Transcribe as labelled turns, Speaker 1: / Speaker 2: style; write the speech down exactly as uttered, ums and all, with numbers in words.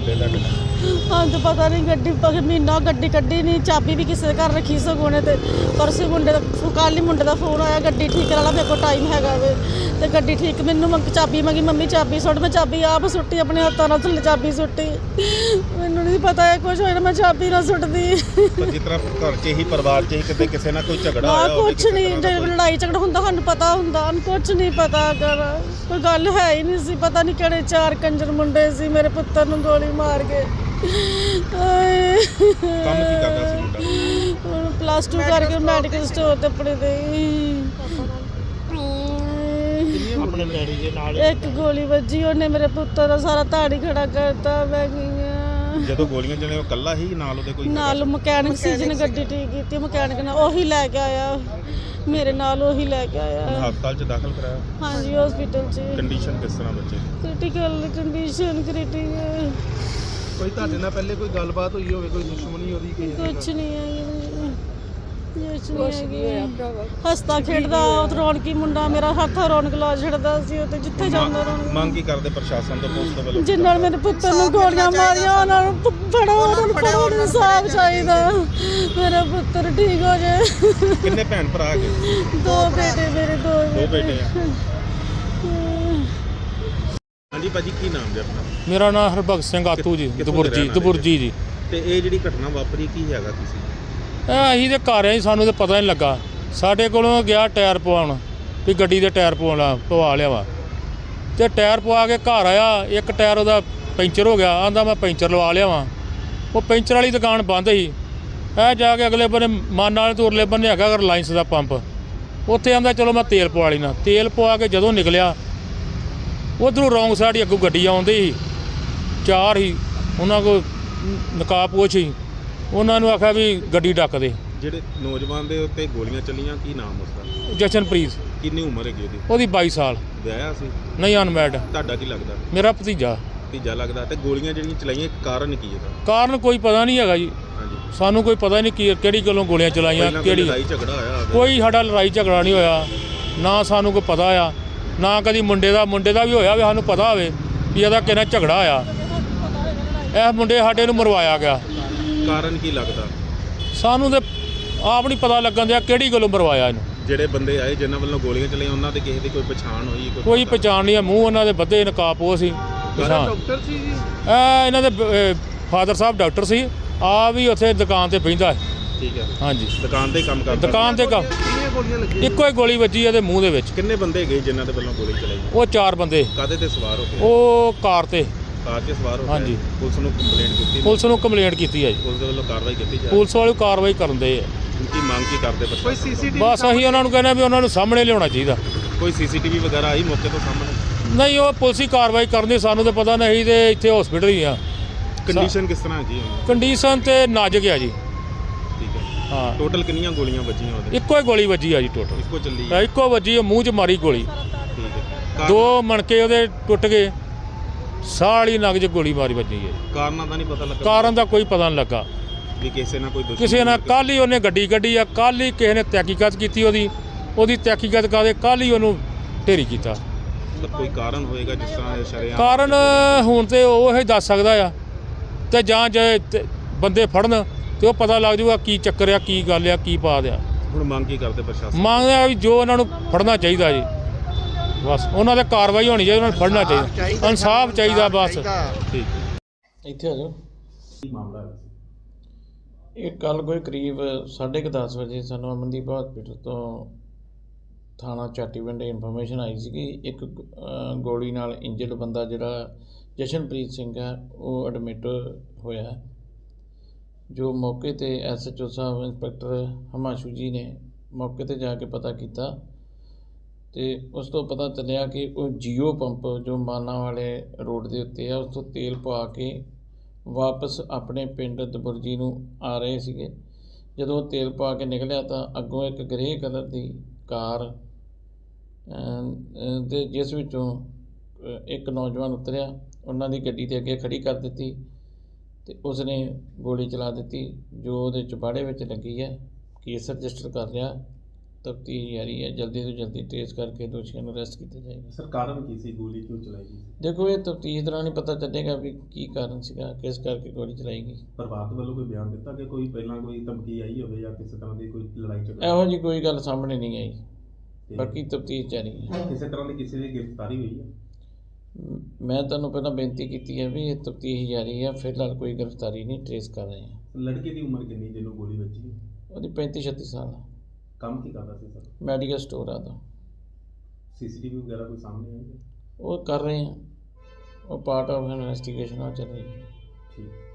Speaker 1: ਲੱਗੇ ਤੁਹਾਡੇ ਨਾਲ?
Speaker 2: हाँ तो पता नहीं गड्डी महीना गड्डी कड्डी नहीं चाबी भी किसी घर रखी सगों ने परसों मुंडे का कल ही मुंडे का फोन आया गड्डी ठीक करा ला मेरे को टाइम हैगा वे तो गड्डी ठीक मैनू मंग चाबी मंगी मम्मी चाबी सुट मैं चाबी आप सुट्टी अपने हत्थों नाल थल्ले चाबी सुट्टी मैनू नहीं पता है कुछ होया मैं चाबी ना सुटदी
Speaker 1: पर जिस तरह घर च ही परिवार च ही किते किसी ना कोई झगड़ा
Speaker 2: हाँ
Speaker 1: होया
Speaker 2: कुछ नहीं जो लड़ाई झगड़ा हुंदा सानू पता हुंदा कुछ नहीं पता कर कोई गल है ही नहीं सी पता नहीं किहड़े चार कंजर मुंडे सी मेरे पुत्तर नू गोली मार के
Speaker 1: ਕੰਮ ਕੀ ਕਰਦਾ ਸੀ ਮੁੰਡਾ?
Speaker 2: प्लस टू करके मैडिकल स्टोर ते अपने दे
Speaker 1: ਆਪਣੇ ਡੈਡੀ ਦੇ ਨਾਲ
Speaker 2: एक गोली ਵੱਜੀ ਉਹਨੇ ਮੇਰੇ ਪੁੱਤਰ ਦਾ ਸਾਰਾ ਧਾੜੀ ਖੜਾ ਕਰਤਾ ਮੈਂ ਗਈ
Speaker 1: ਜਦੋਂ ਗੋਲੀਆਂ ਚਲੇ ਉਹ ਕੱਲਾ ਹੀ ਨਾਲ ਉਹਦੇ ਕੋਈ
Speaker 2: ਨਾਲ ਮਕੈਨਿਕ ਸੀ ਜਿਹਨੇ ਗੱਡੀ ਠੀਕ ਕੀਤੀ ਮਕੈਨਿਕ ਨਾਲ ਉਹੀ ਲੈ ਕੇ ਆਇਆ ਮੇਰੇ ਨਾਲ ਉਹੀ ਲੈ ਕੇ ਆਇਆ
Speaker 1: ਹਸਪਤਾਲ ਚ ਦਾਖਲ ਕਰਾਇਆ?
Speaker 2: ਹਾਂਜੀ ਹਸਪੀਟਲ 'ਚ
Speaker 1: ਕੰਡੀਸ਼ਨ ਕਿਸ ਤਰ੍ਹਾਂ ਬੱਚੇ ਦੀ?
Speaker 2: ਕ੍ਰਿਟੀਕਲ ਕੰਡੀਸ਼ਨ ਕ੍ਰਿਟੀਕਲ
Speaker 3: ਕੋਈ ਤੁਹਾਡੇ ਨਾਲ ਪਹਿਲੇ ਕੋਈ ਗੱਲਬਾਤ ਹੋਈ ਹੋਵੇ ਕੋਈ ਦੁਸ਼ਮਣੀ ਉਹਦੀ ਕੋਈ
Speaker 2: ਕੁਛ ਨਹੀਂ ਹੈ ਕੁਛ ਨਹੀਂ ਹੈ ਹੱਸਦਾ ਖੇਡਦਾ ਉਹ ਰੌਣਕੀ ਮੁੰਡਾ ਮੇਰਾ ਹੱਥ ਰੌਣਕ ਲਾ ਛੱਡਦਾ ਸੀ ਉਹ ਤੇ ਜਿੱਥੇ ਜਾਂਦਾ ਰੌਣਕ
Speaker 1: ਮੰਗ ਕੀ ਕਰਦੇ ਪ੍ਰਸ਼ਾਸਨ ਤੋਂ ਪੁਲਿਸ ਤੋਂ ਵੱਲੋਂ?
Speaker 2: ਜਿਨ੍ਹਾਂ ਨੇ ਮੇਰੇ ਪੁੱਤਰ ਨੂੰ ਗੋਲੀਆਂ ਮਾਰੀਆਂ ਉਹਨਾਂ ਨੂੰ ਫੜੋ ਉਹਨਾਂ ਨੂੰ ਫੜੋ ਇਨਸਾਫ ਚਾਹੀਦਾ ਮੇਰਾ ਪੁੱਤਰ ਠੀਕ ਹੋ ਜਾਏ।
Speaker 1: ਕਿੰਨੇ ਭੈਣ ਭਰਾ ਹੈਗੇ?
Speaker 2: ਦੋ ਬੇਟੇ ਮੇਰੇ ਦੋ
Speaker 1: ਦੋ ਬੇਟੇ ਆ। ਹਾਂਜੀ ਭਾਜੀ ਕੀ ਨਾਮ ਜੀ ਆਪਣਾ?
Speaker 4: ਮੇਰਾ ਨਾਮ ਹਰਭਗਤ ਸਿੰਘ ਆਤੂ ਜੀ ਦਬੁਰਜੀ ਦਬੁਰਜੀ ਜੀ।
Speaker 1: ਤੇ ਇਹ ਜਿਹੜੀ ਘਟਨਾ ਵਾਪਰੀ ਕੀ ਹੈਗਾ ਤੁਸੀਂ?
Speaker 4: ਇਹ ਅਸੀਂ ਤੇ ਘਰ ਆਏ ਸਾਨੂੰ ਤੇ ਪਤਾ ਨਹੀਂ ਲੱਗਾ ਸਾਡੇ ਕੋਲੋਂ ਗਿਆ ਟਾਇਰ ਪਵਾਉਣ ਵੀ ਗੱਡੀ ਦੇ ਟਾਇਰ ਪਵਾਉਣਾ ਪਵਾ ਲਿਆ ਵਾ ਤੇ ਟਾਇਰ ਪਵਾ ਕੇ ਘਰ ਆਇਆ ਇੱਕ ਟਾਇਰ ਉਹਦਾ ਪੈਂਚਰ ਹੋ ਗਿਆ ਆਂਦਾ ਮੈਂ ਪੈਂਚਰ ਲਵਾ ਲਿਆ ਵਾਂ ਉਹ ਪੈਂਚਰ ਵਾਲੀ ਦੁਕਾਨ ਬੰਦ ਸੀ ਇਹ ਜਾ ਕੇ ਅਗਲੇ ਬੰਨੇ ਮਾਨ ਵਾਲੇ ਤੋਂ ਉਰਲੇ ਬੰਨੇ ਹੈਗਾ ਰਿਲਾਇੰਸ ਦਾ ਪੰਪ ਉੱਥੇ ਆਂਦਾ ਚਲੋ ਮੈਂ ਤੇਲ ਪਵਾ ਲੈਣਾ ਤੇਲ ਪਵਾ ਕੇ ਜਦੋਂ ਨਿਕਲਿਆ ਉੱਧਰੋਂ ਰੌਂਗ ਸਾਈਡ ਹੀ ਅੱਗੋਂ ਗੱਡੀ ਆਉਂਦੀ ਸੀ ਚਾਰ ਹੀ ਉਹਨਾਂ ਕੋਲ ਨਕਾਬਪੋਸ਼ ਸੀ ਉਹਨਾਂ ਨੂੰ ਆਖਿਆ ਵੀ ਗੱਡੀ ਡੱਕ ਦੇ।
Speaker 1: ਜਿਹੜੇ ਨੌਜਵਾਨ ਦੇ ਉੱਤੇ ਗੋਲੀਆਂ ਚੱਲੀਆਂ ਕੀ ਨਾਮ ਉਸਦਾ?
Speaker 4: ਜਸ਼ਨਪ੍ਰੀਤ।
Speaker 1: ਕਿੰਨੀ ਉਮਰ ਹੈਗੀ ਉਹਦੀ?
Speaker 4: ਉਹਦੀ ਬਾਈ ਸਾਲ।
Speaker 1: ਵਿਆਹਿਆ ਸੀ?
Speaker 4: ਨਹੀਂ ਅਨਮੈਰਿਡ।
Speaker 1: ਤੁਹਾਡਾ ਕੀ ਲੱਗਦਾ?
Speaker 4: ਮੇਰਾ ਭਤੀਜਾ।
Speaker 1: ਭਤੀਜਾ ਲੱਗਦਾ। ਤੇ ਗੋਲੀਆਂ ਜਿਹੜੀਆਂ ਚਲਾਈਆਂ ਕਾਰਨ ਕੀ ਇਹਦਾ?
Speaker 4: ਕਾਰਨ ਕੋਈ ਪਤਾ ਨਹੀਂ ਹੈਗਾ ਜੀ
Speaker 1: ਹਾਂਜੀ
Speaker 4: ਸਾਨੂੰ ਕੋਈ ਪਤਾ ਨਹੀਂ ਕੀ ਕਿਹੜੀ ਗੱਲੋਂ ਗੋਲੀਆਂ ਚਲਾਈਆਂ ਕਿਹੜੀ
Speaker 1: ਲੜਾਈ ਝਗੜਾ ਹੋਇਆ? ਕੋਈ
Speaker 4: ਸਾਡਾ ਲੜਾਈ ਝਗੜਾ ਨਹੀਂ ਹੋਇਆ ਨਾ ਸਾਨੂੰ ਕੋਈ ਪਤਾ ਆ ਨਾ ਕਦੀ ਮੁੰਡੇ ਦਾ ਮੁੰਡੇ ਦਾ ਵੀ ਹੋਇਆ ਵੀ ਸਾਨੂੰ ਪਤਾ ਹੋਵੇ ਵੀ ਇਹਦਾ ਕਿਹਨਾਂ ਝਗੜਾ ਹੋਇਆ ਇਹ ਮੁੰਡੇ ਸਾਡੇ ਨੂੰ ਮਰਵਾਇਆ ਗਿਆ।
Speaker 1: ਕਾਰਨ ਕੀ ਲੱਗਦਾ?
Speaker 4: ਸਾਨੂੰ ਤੇ ਆਪ ਨਹੀਂ ਪਤਾ ਲੱਗਣ ਦਿਆ ਕਿਹੜੀ ਗੱਲੋਂ ਮਰਵਾਇਆ ਇਹਨੂੰ।
Speaker 1: ਜਿਹੜੇ ਬੰਦੇ ਆਏ ਜਿਨ੍ਹਾਂ ਵੱਲੋਂ ਗੋਲੀਆਂ ਚਲਾਈਆਂ ਉਹਨਾਂ ਦੇ ਕਿਸੇ ਦੀ ਕੋਈ ਪਛਾਣ ਹੋਈ?
Speaker 4: ਕੋਈ ਪਛਾਣ ਨਹੀਂ ਆ ਮੂੰਹ ਉਹਨਾਂ ਦੇ ਬੱਧੇ ਨਕਾਬਪੋਸ਼ ਸੀ।
Speaker 3: ਡਾਕਟਰ ਸੀ ਜੀ
Speaker 4: ਇਹ ਇਹਨਾਂ ਦੇ ਫਾਦਰ ਸਾਹਿਬ ਡਾਕਟਰ ਸੀ ਆ ਵੀ ਉੱਥੇ ਦੁਕਾਨ ਤੇ ਬਹਿੰਦਾ ਹੈ।
Speaker 1: ਠੀਕ ਹੈ
Speaker 4: ਹਾਂਜੀ
Speaker 1: ਦੁਕਾਨ ਤੇ ਕੰਮ ਕਰਦਾ?
Speaker 4: ਦੁਕਾਨ ਤੇ ਕੰਮ।
Speaker 3: ਕਿੰਨੀਆਂ ਗੋਲੀਆਂ ਲੱਗੀਆਂ?
Speaker 4: ਇੱਕੋ ਹੀ ਗੋਲੀ ਵੱਜੀ ਇਹਦੇ ਮੂੰਹ ਦੇ ਵਿੱਚ।
Speaker 1: ਕਿੰਨੇ ਬੰਦੇ ਗਏ ਜਿਨ੍ਹਾਂ ਦੇ ਵੱਲੋਂ ਗੋਲੀ ਚਲਾਈ?
Speaker 4: ਉਹ ਚਾਰ ਬੰਦੇ।
Speaker 1: ਕਾਹਦੇ ਤੇ ਸਵਾਰ ਹੋ ਕੇ?
Speaker 4: ਉਹ ਕਾਰ ਤੇ
Speaker 1: ਕਾਰ 'ਚ ਸਵਾਰ ਹੋ ਕੇ?
Speaker 4: ਹਾਂਜੀ।
Speaker 1: ਪੁਲਿਸ ਨੂੰ ਕੰਪਲੇਂਟ ਕੀਤੀ?
Speaker 4: ਪੁਲਿਸ ਨੂੰ ਕੰਪਲੇਂਟ ਕੀਤੀ ਹੈ ਜੀ।
Speaker 1: ਪੁਲਿਸ ਦੇ ਵੱਲੋਂ ਕਾਰਵਾਈ ਕੀਤੀ ਜਾ?
Speaker 4: ਪੁਲਿਸ ਵਾਲੇ ਕਾਰਵਾਈ ਕਰਨ ਦੇ ਆ।
Speaker 1: ਕੀ ਮੰਗ ਕੀ ਕਰਦੇ
Speaker 3: ਕੋਈ
Speaker 1: ਪ੍ਰਸ਼ਾਸਨ?
Speaker 3: ਸੀਸੀਟੀਵੀ
Speaker 4: ਬਸ ਅਸੀਂ ਉਹਨਾਂ ਨੂੰ ਕਹਿੰਦੇ ਵੀ ਉਹਨਾਂ ਨੂੰ ਸਾਹਮਣੇ ਲਿਆਉਣਾ ਚਾਹੀਦਾ।
Speaker 1: ਕੋਈ ਸੀਸੀਟੀਵੀ ਵਗੈਰਾ ਆਈ ਮੌਕੇ ਤੋਂ ਸਾਹਮਣੇ?
Speaker 4: ਨਹੀਂ ਉਹ ਪੁਲਿਸ ਹੀ ਕਾਰਵਾਈ ਕਰਨੀ ਸਾਨੂੰ ਤਾਂ ਪਤਾ ਨਹੀਂ ਤੇ ਇੱਥੇ ਹਸਪੀਟਲ ਹੀ ਆ।
Speaker 1: ਕੰਡੀਸ਼ਨ ਕਿਸ ਤਰ੍ਹਾਂ ਹੈਗੀ?
Speaker 4: ਕੰਡੀਸ਼ਨ ਤੇ ਨਾਜ਼ੁਕ ਆ ਜੀ।
Speaker 1: ਠੀਕ ਹੈ
Speaker 4: ਹਾਂ
Speaker 1: ਟੋਟਲ ਕਿੰਨੀਆਂ ਗੋਲੀਆਂ ਵੱਜੀਆਂ ਉਹਦੇ?
Speaker 4: ਇੱਕੋ ਹੀ ਗੋਲੀ ਵੱਜੀ ਆ ਜੀ ਟੋਟਲ।
Speaker 1: ਇੱਕੋ ਚੱਲੀ ਹੈ?
Speaker 4: ਇੱਕੋ ਵੱਜੀ ਆ ਮੂੰਹ 'ਚ ਮਾਰੀ ਗੋਲੀ।
Speaker 1: ਠੀਕ ਹੈ
Speaker 4: ਦੋ ਮਣਕੇ ਉਹਦੇ ਟੁੱਟ ਗਏ ਸਾਲੀ ਨਗ 'ਚ ਗੋਲੀ ਮਾਰੀ ਵੱਜੀ ਹੈ।
Speaker 1: ਕਾਰਨਾਂ ਦਾ ਨਹੀਂ ਪਤਾ ਲੱਗਾ?
Speaker 4: ਕਾਰਨ ਦਾ ਕੋਈ ਪਤਾ ਨਹੀਂ ਲੱਗਾ
Speaker 1: ਵੀ ਕਿਸੇ ਨਾਲ ਕੋਈ ਦੁਸ਼ਮਣੀ?
Speaker 4: ਕਿਸੇ ਨਾਲ ਕੱਲ੍ਹ ਹੀ ਉਹਨੇ ਗੱਡੀ ਕੱਢੀ ਆ ਕੱਲ੍ਹ ਹੀ ਕਿਸੇ ਨੇ ਤਹਿਕੀਕਤ ਕੀਤੀ ਉਹਦੀ ਉਹਦੀ ਤਹਿਕੀਕਤ ਕਰਦੇ ਕੱਲ੍ਹ ਹੀ ਉਹਨੂੰ ਢੇਰੀ ਕੀਤਾ।
Speaker 1: ਮਤਲਬ ਕੋਈ ਕਾਰਨ ਹੋਏਗਾ ਜਿਸ ਤਰ੍ਹਾਂ ਸ਼ਰੇਆਮ?
Speaker 4: ਕਾਰਨ ਹੁਣ ਤੇ ਉਹ ਹੀ ਦੱਸ ਸਕਦਾ ਆ ਤੇ ਜਾਂ ਜੇ ਤੇ ਬੰਦੇ ਫੜਨ ਤੇ ਉਹ ਪਤਾ ਲੱਗ ਜਾਊਗਾ ਕੀ ਚੱਕਰ ਆ ਕੀ ਗੱਲ ਆ ਕੀ ਪਾ ਦਿਆ।
Speaker 1: ਹੁਣ ਮੰਗ ਕੀ ਕਰਦੇ ਪ੍ਰਸ਼ਾਸਨ?
Speaker 4: ਮੰਗਦੇ ਆ ਵੀ ਜੋ ਉਹਨਾਂ ਨੂੰ ਫੜਨਾ ਚਾਹੀਦਾ ਜੀ ਬਸ ਉਹਨਾਂ 'ਤੇ ਕਾਰਵਾਈ ਹੋਣੀ ਚਾਹੀਦੀ ਉਹਨਾਂ ਨੂੰ ਫੜਨਾ ਚਾਹੀਦਾ ਇਨਸਾਫ ਚਾਹੀਦਾ ਬਸ।
Speaker 1: ਠੀਕ
Speaker 5: ਇੱਥੇ ਆ ਜਾਓ।
Speaker 1: ਕੀ ਮਾਮਲਾ ਹੈ?
Speaker 5: ਇਹ ਕੱਲ੍ਹ ਕੋਈ ਕਰੀਬ ਸਾਢੇ ਕੁ ਦਸ ਵਜੇ ਸਾਨੂੰ ਅਮਨਦੀਪ ਹਸਪੀਟਲ ਤੋਂ ਥਾਣਾ ਚਾਟੀਵਿੰਡ ਇਨਫੋਰਮੇਸ਼ਨ ਆਈ ਸੀ ਕਿ ਇੱਕ ਗੋਲੀ ਨਾਲ ਇੰਜਰਡ ਬੰਦਾ ਜਿਹੜਾ ਜਸ਼ਨਪ੍ਰੀਤ ਸਿੰਘ ਹੈ ਉਹ ਐਡਮਿਟ ਹੋਇਆ ਜੋ ਮੌਕੇ 'ਤੇ ਐਸ ਐਚ ਓ ਸਾਹਿਬ ਇੰਸਪੈਕਟਰ ਹਿਮਾਂਸ਼ੂ ਜੀ ਨੇ ਮੌਕੇ 'ਤੇ ਜਾ ਕੇ ਪਤਾ ਕੀਤਾ ਅਤੇ ਉਸ ਤੋਂ ਪਤਾ ਚੱਲਿਆ ਕਿ ਉਹ ਜੀਓ ਪੰਪ ਜੋ ਮਾਨਾ ਵਾਲੇ ਰੋਡ ਦੇ ਉੱਤੇ ਆ ਉਸ ਤੋਂ ਤੇਲ ਪਵਾ ਕੇ ਵਾਪਸ ਆਪਣੇ ਪਿੰਡ ਦਬੁਰਜੀ ਨੂੰ ਆ ਰਹੇ ਸੀਗੇ। ਜਦੋਂ ਉਹ ਤੇਲ ਪਾ ਕੇ ਨਿਕਲਿਆ ਤਾਂ ਅੱਗੋਂ ਇੱਕ ਗ੍ਰੇ ਕਲਰ ਦੀ ਕਾਰ ਦੇ ਜਿਸ ਵਿੱਚੋਂ ਇੱਕ ਨੌਜਵਾਨ ਉਤਰਿਆ ਉਹਨਾਂ ਦੀ ਗੱਡੀ ਦੇ ਅੱਗੇ ਖੜੀ ਕਰ ਦਿੱਤੀ ਅਤੇ ਉਸਨੇ ਗੋਲੀ ਚਲਾ ਦਿੱਤੀ ਜੋ ਉਹਦੇ ਚੁਬਾੜੇ ਵਿੱਚ ਲੱਗੀ ਹੈ। ਕੇਸ ਰਜਿਸਟਰ ਕਰ ਲਿਆ ਤਫਤੀਸ਼ ਜਾਰੀ ਹੈ। ਜਲਦੀ ਤੋਂ ਜਲਦੀ ਟ੍ਰੇਸ ਕਰਕੇ ਦੋਸ਼ੀਆਂ ਨੂੰ ਅਰੈਸਟ ਕੀਤਾ ਜਾਏਗਾ।
Speaker 1: ਸਰ ਕਾਰਨ ਕੀ ਸੀ, ਗੋਲੀ ਕਿਉਂ ਚਲਾਈ ਗਈ?
Speaker 5: ਦੇਖੋ ਇਹ ਤਫਤੀਸ਼ ਦੌਰਾਨ ਹੀ ਪਤਾ ਚੱਲੇਗਾ ਵੀ ਕੀ ਕਾਰਨ ਸੀਗਾ, ਕਿਸ ਕਰਕੇ ਗੋਲੀ ਚਲਾਈ ਗਈ।
Speaker 1: ਪਰਿਵਾਰ ਵੱਲੋਂ ਕੋਈ ਬਿਆਨ ਦਿੱਤਾ ਕਿ ਕੋਈ ਪਹਿਲਾਂ ਕੋਈ ਧਮਕੀ ਆਈ ਹੋਵੇ ਜਾਂ ਕਿਸੇ ਤਰ੍ਹਾਂ ਦੀ ਕੋਈ ਲੜਾਈ ਝਗੜਾ?
Speaker 5: ਇਹੋ ਜਿਹੀ ਕੋਈ ਗੱਲ ਸਾਹਮਣੇ ਨਹੀਂ ਆਈ,
Speaker 1: ਤੇ
Speaker 5: ਬਾਕੀ ਤਫਤੀਸ਼ ਜਾਰੀ ਹੈ।
Speaker 1: ਕਿਸੇ ਤਰ੍ਹਾਂ ਦੀ ਕਿਸੇ ਦੀ ਗ੍ਰਿਫਤਾਰੀ ਹੋਈ ਹੈ?
Speaker 5: ਮ- ਮੈਂ ਤੁਹਾਨੂੰ ਪਹਿਲਾਂ ਬੇਨਤੀ ਕੀਤੀ ਹੈ ਵੀ ਇਹ ਤਫਤੀਸ਼ ਜਾਰੀ ਹੈ, ਫਿਲਹਾਲ ਕੋਈ ਗ੍ਰਿਫਤਾਰੀ ਨਹੀਂ, ਟ੍ਰੇਸ ਕਰ ਰਹੇ ਹਾਂ।
Speaker 1: ਲੜਕੇ ਦੀ ਉਮਰ ਕਿੰਨੀ ਜਿਹਨੂੰ ਗੋਲੀ ਵੱਜੀ?
Speaker 5: ਉਹਦੀ ਪੈਂਤੀ ਛੱਤੀ ਸਾਲ ਆ,
Speaker 1: ਕੰਮ ਕੀ ਕਰਦਾ ਸੀ ਸਰ?
Speaker 5: ਮੈਡੀਕਲ ਸਟੋਰ ਆ ਦਾ।
Speaker 1: ਸੀਸੀਟੀਵੀ ਵਗੈਰਾ ਕੋਈ ਸਾਹਮਣੇ ਆਈ ਹੈ?
Speaker 5: ਉਹ ਕਰ ਰਹੇ ਹਾਂ, ਉਹ ਪਾਰਟ ਆਫ ਇਨਵੈਸਟੀਗੇਸ਼ਨ ਆ ਚੱਲ ਰਹੀ ਹੈ।
Speaker 1: ਠੀਕ।